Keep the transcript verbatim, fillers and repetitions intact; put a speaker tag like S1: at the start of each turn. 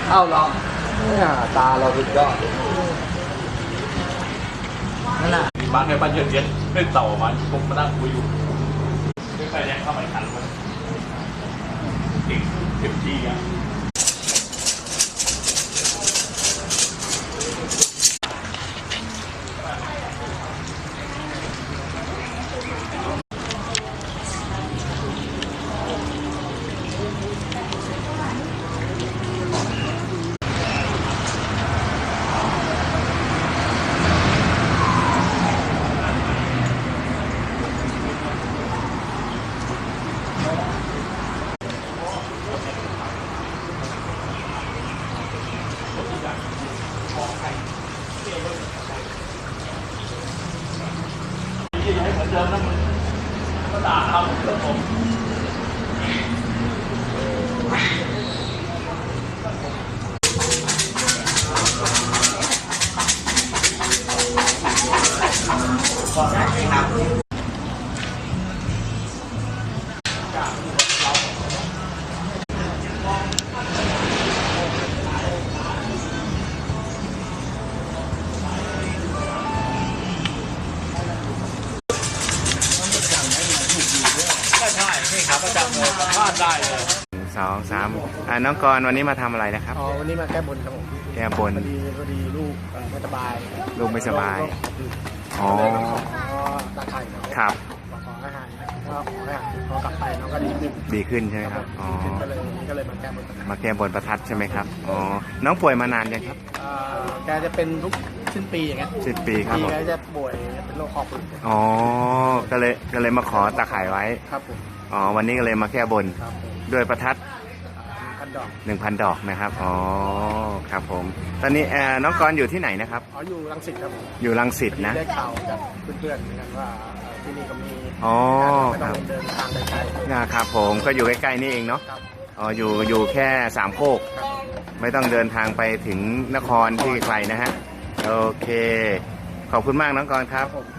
S1: เอ้าเหรอเนี่ยตาเราสุดยอดนั่นแหละ
S2: บางแค่บ้านเย็นเย็นเล่นเต่ามันผมมานั่งคุยอยู่ไม่ไปแรงเข้าไปทันเลยเด็กเต็มที่อ่ะที่ให้เหมือนเดิมนะมึงก็ด่าเขาครับผมใช่นี่ครับประจำเลยพลาดได้เลย
S3: สองสามอ่าน้องกรณ์วันนี้มาทำอะไรนะครับ
S1: อ๋อวันนี้มาแก้บนครับผม
S3: แก้บน
S1: พอดีพอดีลูกไม่สบาย
S3: ลูกไม่สบายอ๋อ
S1: ตาไข่
S3: ครับ
S1: ขออาหารก็ขออาหารพอกลับไปน้องก็ดีขึ้น
S3: ดีขึ้นใช่ไหมครับอ๋อ
S1: ก็เลยก็เลยมาแก้บน
S3: มาแก้บนประทัดใช่ไหมครับอ๋อน้องป่วยมานานยังครับ
S1: แกจะเป็นทุกสิ้นปีอย่างเงี้ย
S3: สิ้นปีครับผม
S1: แกจะป่วยเป็นโรคคอปืน
S3: อ๋อก็เลยก็เลยมาขอตาข่ายไว้
S1: ครับผม
S3: อ๋อวันนี้ก็เลยมาแก้บนด้วยประทัด
S1: พันดอก
S3: หนึ่งพันดอกนะครับอ๋อครับผมตอนนี้น้องกรณ์อยู่ที่ไหนนะครับ
S1: อ๋ออยู่รังสิตครับ
S3: อยู่รังสิตนะ
S1: ได้ข่าวจากเพื่อนๆเหมือนกันว่าที่นี่ก็มี
S3: อ๋อ
S1: ไม่ต้องเดินทางไกลๆ
S3: นะครับผมก็อยู่ใกล้ๆนี่เองเนาะอ๋ออยู่อยู่แค่สามโคกไม่ต้องเดินทางไปถึงนครที่ไกลนะฮะโอเคขอบคุณมากน้องกรณ์ครับ